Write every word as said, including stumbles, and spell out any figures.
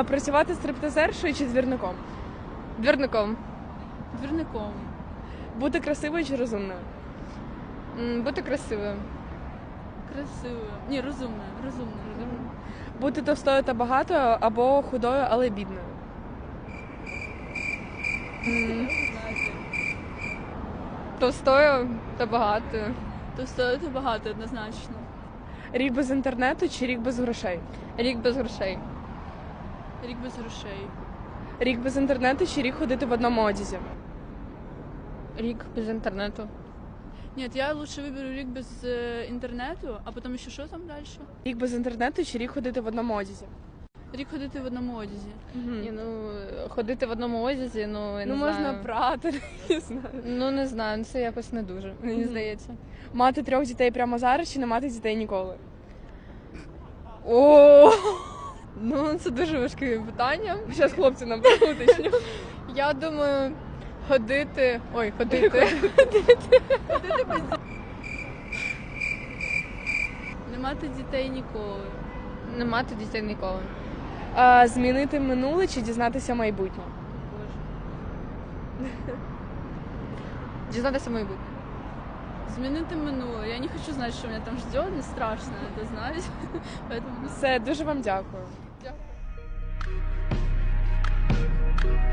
А, працювати стриптизершою чи двірником? Двірником. Двірником. Бути красивою чи розумною? М, Бути красивою. Красивою. Ні, розумною. Розумною. Розумною. Бути товстою та багатою або худою, але бідною? М, Знаєте. Товстою та багатою. То стоїти багато однозначно. Рік без інтернету чи рік без грошей? Рік без грошей. Рік без грошей. Рік без інтернету чи рік ходити в одному одязі? Рік без інтернету. Ні, я лучше виберу рік без е, інтернету, а потім ще що там далі? Рік без інтернету чи рік ходити в одному одязі? Рік ходити в одному одязі. Ні, ну ходити в одному одязі, ну я не Ну, знаю. можна прати, не знаю. Ну не знаю, це якось не дуже, мені Мгм. здається. Мати трьох дітей прямо зараз чи не мати дітей ніколи? О, Ну це дуже важке питання. зараз хлопці нам уточню. Я думаю, ходити. Ой, ходити. Не мати дітей ніколи. Не мати дітей ніколи. А, змінити минуле чи дізнатися майбутнє? Боже. Дізнатися майбутнє. Змінити минуле. Я не хочу знати, що мене там ждет, не страшно это знать. Поэтому Все, дуже вам дякую. дякую.